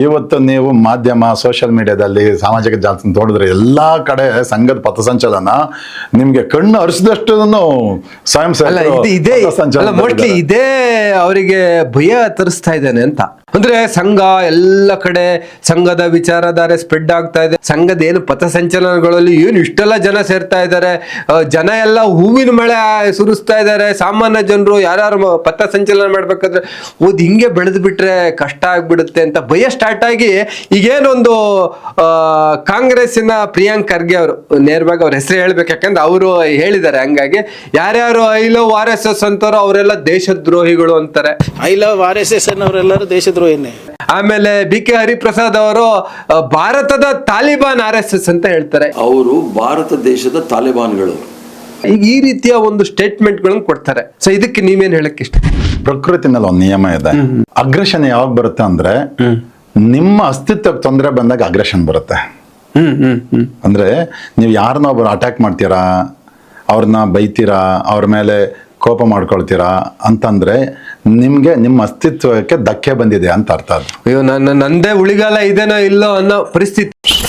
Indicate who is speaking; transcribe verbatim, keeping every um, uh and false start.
Speaker 1: ಇವತ್ತು ನೀವು ಮಾಧ್ಯಮ ಸೋಷಿಯಲ್ ಮೀಡಿಯಾದಲ್ಲಿ ಸಾಮಾಜಿಕ ಜಾಲತಾಣ ನೋಡಿದ್ರೆ ಎಲ್ಲಾ ಕಡೆ ಸಂಘದ ಪಥಸಂಚಲನ ನಿಮ್ಗೆ ಕಣ್ಣು ಅರಿಸಿದಷ್ಟು ಸ್ವಯಂ
Speaker 2: ಮೋಸ್ಟ್ಲಿ ಇದೇ ಅವರಿಗೆ ಭಯ ತರಿಸ್ತಾ ಇದ್ದಾನೆ ಅಂತ. ಅಂದ್ರೆ ಸಂಘ ಎಲ್ಲ ಕಡೆ ಸಂಘದ ವಿಚಾರಧಾರೆ ಸ್ಪ್ರೆಡ್ ಆಗ್ತಾ ಇದೆ. ಸಂಘದ ಏನು ಪಥಸಂಚಲನಗಳಲ್ಲಿ ಏನು ಇಷ್ಟೆಲ್ಲ ಜನ ಸೇರ್ತಾ ಇದ್ದಾರೆ, ಜನ ಎಲ್ಲ ಹೂವಿನ ಮಳೆ ಸುರಿಸ್ತಾ ಇದ್ದಾರೆ. ಸಾಮಾನ್ಯ ಜನರು ಯಾರು ಪಥಸಂಚಲನ ಮಾಡ್ಬೇಕಾದ್ರೆ ಓದ್ ಹಿಂಗೆ ಬೆಳೆದು ಬಿಟ್ರೆ ಕಷ್ಟ ಆಗ್ಬಿಡುತ್ತೆ ಅಂತ ಭಯ ಸ್ಟಾರ್ಟ್ ಆಗಿ ಈಗೇನೊಂದು ಆ ಕಾಂಗ್ರೆಸ್ಸಿನ ಪ್ರಿಯಾಂಕ್ ಖರ್ಗೆ ಅವರು, ನೇರವಾಗಿ ಅವ್ರ ಹೆಸರು ಹೇಳ್ಬೇಕು ಯಾಕಂದ್ರೆ ಅವರು ಹೇಳಿದ್ದಾರೆ, ಹಂಗಾಗಿ ಯಾರ್ಯಾರು I love R S S ಅಂತಾರೋ ಅವರೆಲ್ಲ ದೇಶದ್ರೋಹಿಗಳು ಅಂತಾರೆ.
Speaker 3: I love R S S ಅನ್ನೋರೆಲ್ಲರೂ ದೇಶದ್ರೋಹಿನೇ.
Speaker 2: ಆಮೇಲೆ ಬಿ ಕೆ ಹರಿಪ್ರಸಾದ್ ಅವರು ಭಾರತದ ತಾಲಿಬಾನ್ ಆರ್ ಎಸ್ ಎಸ್ ಅಂತ ಹೇಳ್ತಾರೆ.
Speaker 4: ಅವರು ಭಾರತ ದೇಶದ ತಾಲಿಬಾನ್ಗಳು.
Speaker 2: ಈಗ ಈ ರೀತಿಯ ಒಂದು ಸ್ಟೇಟ್ಮೆಂಟ್ ಗಳನ್ನು ಕೊಡ್ತಾರೆ. ಸೊ ಇದಕ್ಕೆ ನೀವೇನ್ ಹೇಳಕ್ ಇಷ್ಟ?
Speaker 1: ಪ್ರಕೃತಿನಲ್ಲಿ ಒಂದು ನಿಯಮ ಇದೆ. ಅಗ್ರೆಷನ್ ಯಾವಾಗ ಬರುತ್ತೆ ಅಂದ್ರೆ ನಿಮ್ಮ ಅಸ್ತಿತ್ವಕ್ಕೆ ತೊಂದರೆ ಬಂದಾಗ ಅಗ್ರೆಷನ್ ಬರುತ್ತೆ. ಅಂದ್ರೆ ನೀವು ಯಾರನ್ನ ಒಬ್ಬರು ಅಟ್ಯಾಕ್ ಮಾಡ್ತೀರಾ, ಅವ್ರನ್ನ ಬೈತೀರಾ, ಅವ್ರ ಮೇಲೆ ಕೋಪ ಮಾಡ್ಕೊಳ್ತೀರಾ ಅಂತಂದ್ರೆ ನಿಮ್ಗೆ ನಿಮ್ಮ ಅಸ್ತಿತ್ವಕ್ಕೆ ಧಕ್ಕೆ ಬಂದಿದೆ ಅಂತ ಅರ್ಥ. ಅದು
Speaker 2: ಅಯ್ಯೋ ನನ್ನ ನಂದೇ ಉಳಿಗಾಲ ಇದೇನೋ ಇಲ್ಲೋ ಅನ್ನೋ ಪರಿಸ್ಥಿತಿ.